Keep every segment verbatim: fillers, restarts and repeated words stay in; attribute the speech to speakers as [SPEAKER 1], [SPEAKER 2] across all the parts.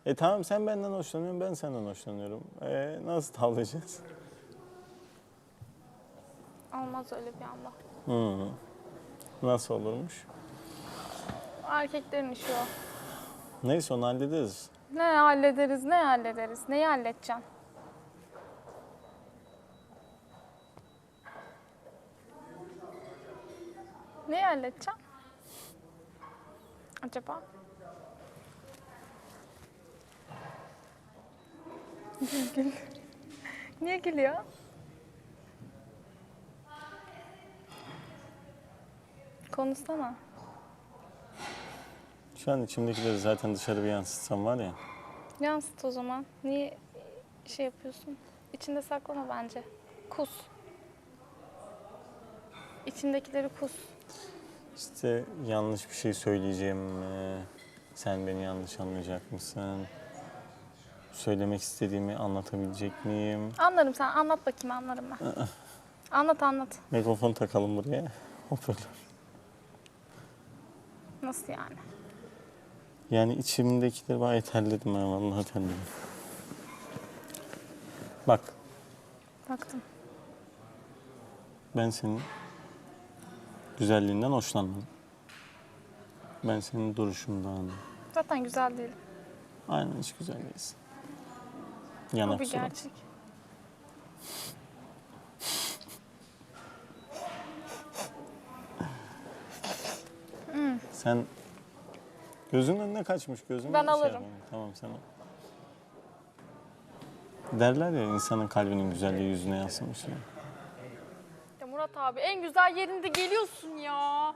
[SPEAKER 1] E tamam sen benden hoşlanıyorsun, ben senden hoşlanıyorum. E, nasıl tavlayacağız?
[SPEAKER 2] Olmaz öyle bir anda.
[SPEAKER 1] Hı. Nasıl olurmuş?
[SPEAKER 2] Erkeklerin işi o.
[SPEAKER 1] Neyse onu hallederiz.
[SPEAKER 2] Ne hallederiz, ne hallederiz? Neyi halledeceksin? Neyi halledeceksin? Acaba? Gül. Niye gülüyor? Konuşsana.
[SPEAKER 1] Şu an içimdekileri zaten dışarı bir yansıtsam var ya.
[SPEAKER 2] Yansıt o zaman. Niye şey yapıyorsun? İçinde saklama bence. Kus. İçindekileri kus.
[SPEAKER 1] İşte yanlış bir şey söyleyeceğim mi? Sen beni yanlış anlayacak mısın? Söylemek istediğimi anlatabilecek miyim?
[SPEAKER 2] Anlarım, sen anlat bakayım, anlarım ben. Anlat anlat.
[SPEAKER 1] Mikrofon takalım buraya. Hoparlör.
[SPEAKER 2] Nasıl yani?
[SPEAKER 1] Yani içimdekileri bayağı terledim ha, vallahi terledim. Bak,
[SPEAKER 2] Baktım.
[SPEAKER 1] ben senin güzelliğinden hoşlanmadım. Ben senin duruşundan.
[SPEAKER 2] Zaten güzel değil.
[SPEAKER 1] Aynen hiç güzel değilsin.
[SPEAKER 2] O
[SPEAKER 1] Yanak
[SPEAKER 2] bir
[SPEAKER 1] surat.
[SPEAKER 2] gerçek.
[SPEAKER 1] Sen gözünün önüne kaçmış gözün.
[SPEAKER 2] Ben
[SPEAKER 1] şey
[SPEAKER 2] alırım.
[SPEAKER 1] yapma. Tamam sen al. Derler ya insanın kalbinin güzelliği yüzüne yansımış. Ya.
[SPEAKER 2] Ya Murat abi en güzel yerinde geliyorsun ya.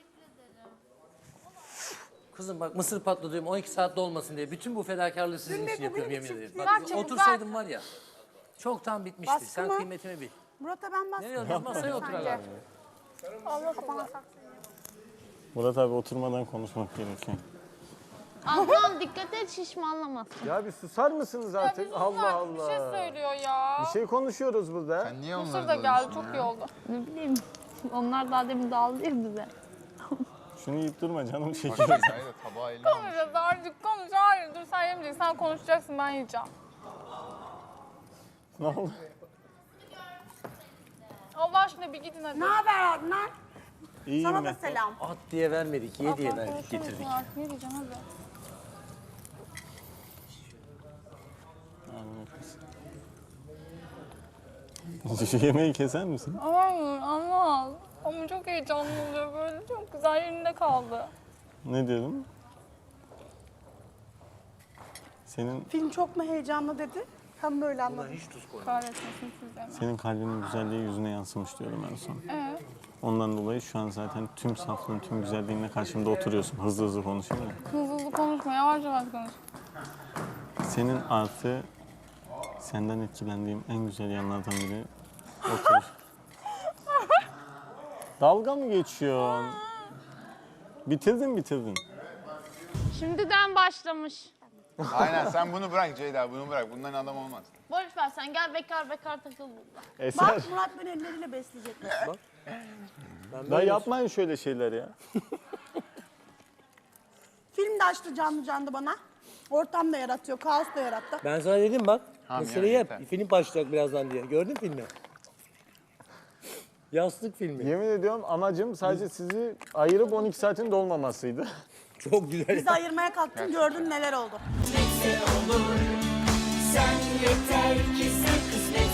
[SPEAKER 3] Kızım bak mısır patlatıyorum on iki saatte olmasın diye. Bütün bu fedakarlığı sizin için yapıyorum yemin ederim. Bak
[SPEAKER 2] Ver çabuk,
[SPEAKER 3] otursaydım var ya. Çoktan bitmişti.
[SPEAKER 4] Baskı
[SPEAKER 3] Sen
[SPEAKER 4] mı?
[SPEAKER 3] kıymetimi bil.
[SPEAKER 4] Murat'a ben bastım.
[SPEAKER 3] Nereye alıyoruz? Masaya oturalım.
[SPEAKER 2] Allah Allah.
[SPEAKER 1] Murat abi oturmadan konuşmak gerekiyor.
[SPEAKER 5] Ablam dikkat et şişmanlamasın.
[SPEAKER 1] Ya bir susar mısınız artık? Allah Allah.
[SPEAKER 2] Bir şey söylüyor ya.
[SPEAKER 1] Bir şey konuşuyoruz burada.
[SPEAKER 6] Sen niye
[SPEAKER 2] Mısır
[SPEAKER 6] onları
[SPEAKER 2] da geldi, çok iyi oldu.
[SPEAKER 5] Ne bileyim. Onlar daha demin daldı ya bize.
[SPEAKER 1] Şunu yiyip durma canım
[SPEAKER 6] Bak
[SPEAKER 1] şeker.
[SPEAKER 6] Sezai de tabağı eline almış.
[SPEAKER 2] Konuşacağız artık, konuş. Hayır dur, sen yemeyeceksin. Sen konuşacaksın, ben yiyeceğim.
[SPEAKER 1] Ne oldu?
[SPEAKER 2] Allah aşkına bir gidin hadi.
[SPEAKER 4] Ne haber Adnan?
[SPEAKER 1] İyiyim
[SPEAKER 4] Sana da
[SPEAKER 1] ben.
[SPEAKER 4] selam.
[SPEAKER 3] At diye vermedik, ye diye
[SPEAKER 2] Ablam
[SPEAKER 3] verdik,
[SPEAKER 2] konuşur musun
[SPEAKER 3] getirdik.
[SPEAKER 2] artık? Ne diyeceğim hadi.
[SPEAKER 1] Şu yemeği keser misin?
[SPEAKER 2] Hayır anlamaz. Ama çok heyecanlı oluyor böyle. Çok güzel yerinde kaldı.
[SPEAKER 1] Ne diyordum? Senin
[SPEAKER 4] Film çok mu heyecanlı dedi? Hem böyle anladım.
[SPEAKER 3] Hiç tuz koyma.
[SPEAKER 2] Kahretmesin sizden.
[SPEAKER 1] senin kalbinin güzelliği yüzüne yansımış diyorum en son.
[SPEAKER 2] Evet.
[SPEAKER 1] Ondan dolayı şu an zaten tüm saflığın, tüm güzelliğinle karşımda oturuyorsun. Hızlı hızlı konuşayım mı?
[SPEAKER 2] Hızlı hızlı konuşma, yavaş yavaş konuş.
[SPEAKER 1] Senin artı senden etkilendiğim en güzel yanlardan biri otur. Dalga mı geçiyorsun? Bitirdin bitirdin.
[SPEAKER 5] Şimdiden başlamış.
[SPEAKER 6] Aynen sen bunu bırak Ceyda bunu bırak. Bundan adam olmaz.
[SPEAKER 5] Boş ver sen gel bekar bekar takıl burada.
[SPEAKER 1] Eser.
[SPEAKER 4] Bak Murat beni elleriyle besleyecekmiş.
[SPEAKER 1] Da yapmayın şöyle şeyler ya.
[SPEAKER 4] Film de açtı canlı canlı bana. Ortam da yaratıyor, kaos da yarattı.
[SPEAKER 3] Ben sana dedim bak,
[SPEAKER 6] Tamam,
[SPEAKER 3] meseleyi
[SPEAKER 6] ya,
[SPEAKER 3] yap.
[SPEAKER 6] yeter.
[SPEAKER 3] Film başlayacak birazdan diye. Gördün filmi? Yastık filmi.
[SPEAKER 1] Yemin ediyorum amacım sadece sizi ayırıp on iki saatin dolmamasıydı.
[SPEAKER 3] Çok güzel.
[SPEAKER 4] Bizi ayırmaya kalktın, gördün neler oldu.
[SPEAKER 7] Neyse olur. Sen yeter ki sen kısmet